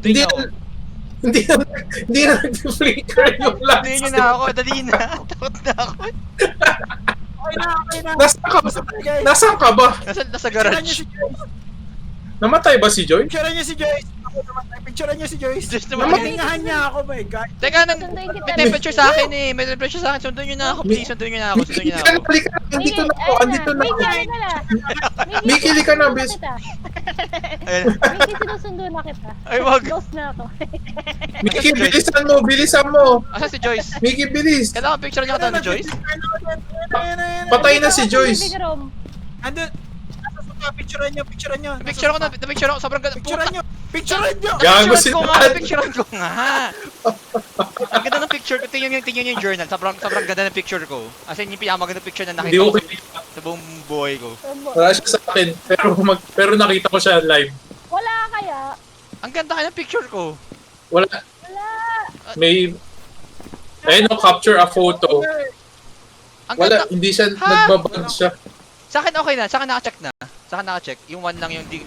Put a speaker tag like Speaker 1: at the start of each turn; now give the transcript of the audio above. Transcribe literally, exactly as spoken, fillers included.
Speaker 1: Hindi
Speaker 2: niyo ako.
Speaker 1: na, hindi na, hindi na nag-flicker yung last.
Speaker 2: Sunduin niyo na ako, dali na. Takot na ako.
Speaker 3: Okay na, okay na.
Speaker 1: Nasaan ka ba?
Speaker 3: Guys,
Speaker 1: Nasaan ka ba?
Speaker 2: Nasa, nasa
Speaker 3: picturean niyo
Speaker 2: garage.
Speaker 3: si Joyce.
Speaker 1: Namatay ba si Joy?
Speaker 3: Picturean niyo si Joyce. Ako naman. Picturean niyo si Joyce.
Speaker 2: Just naman.
Speaker 3: Napatingahan niya ako, my God.
Speaker 2: Teka, nang,
Speaker 4: Sunduin kita.
Speaker 2: may temperature sa akin eh. May temperature sa akin. Sunduin niyo na ako, please. Sunduin niyo na ako. Sunduin niyo na ako.
Speaker 1: Halika na, andito na ako, andito na ako.
Speaker 4: Miki, ano na lang.
Speaker 1: Miki, halika na,
Speaker 4: sinusundo
Speaker 1: bis.
Speaker 4: kita.
Speaker 2: Ayun.
Speaker 4: Miki, sinusundo na kita.
Speaker 2: Ay, wag.
Speaker 4: Close na ako.
Speaker 1: Miki, bilisan mo, bilisan mo.
Speaker 2: Asa si Joyce?
Speaker 1: Miki, bilis.
Speaker 2: Kailangan picture niyo ka ni Joyce?
Speaker 1: Patay na si
Speaker 4: Dito ako sa
Speaker 1: Joyce.
Speaker 4: living room.
Speaker 3: Andun. Nasa sofa, picturean niyo, picturean niyo. Nasa
Speaker 2: Picture ko na,
Speaker 3: sofa.
Speaker 2: picture ko. Sobrang ganda.
Speaker 3: Picturean niyo. Picturean niyo.
Speaker 1: Gago
Speaker 2: Picturean
Speaker 1: si
Speaker 2: ko nga,
Speaker 1: Dad.
Speaker 2: picturean ko nga. Ang ganda ng picture ko. Tingnan yung, tingnan yung journal. Sobrang, sobrang ganda ng picture ko. As in, yung pinakamaganda picture na
Speaker 1: Hindi
Speaker 2: nakita
Speaker 1: ko
Speaker 2: ko
Speaker 1: kita.
Speaker 2: sa buong buhay ko.
Speaker 1: Wala siya sa akin, pero, mag, pero nakita ko siya live.
Speaker 4: Wala kaya?
Speaker 2: Ang ganda kaya ng picture ko.
Speaker 1: Wala,
Speaker 4: Wala.
Speaker 1: may, ayun no, capture a photo.
Speaker 2: Ang
Speaker 1: Wala,
Speaker 2: ganda.
Speaker 1: hindi siya,
Speaker 2: Ha?
Speaker 1: nagbabag siya.
Speaker 2: Sa akin okay na. Sa akin naka-check na. Sa akin naka-check. Yung one lang yung di,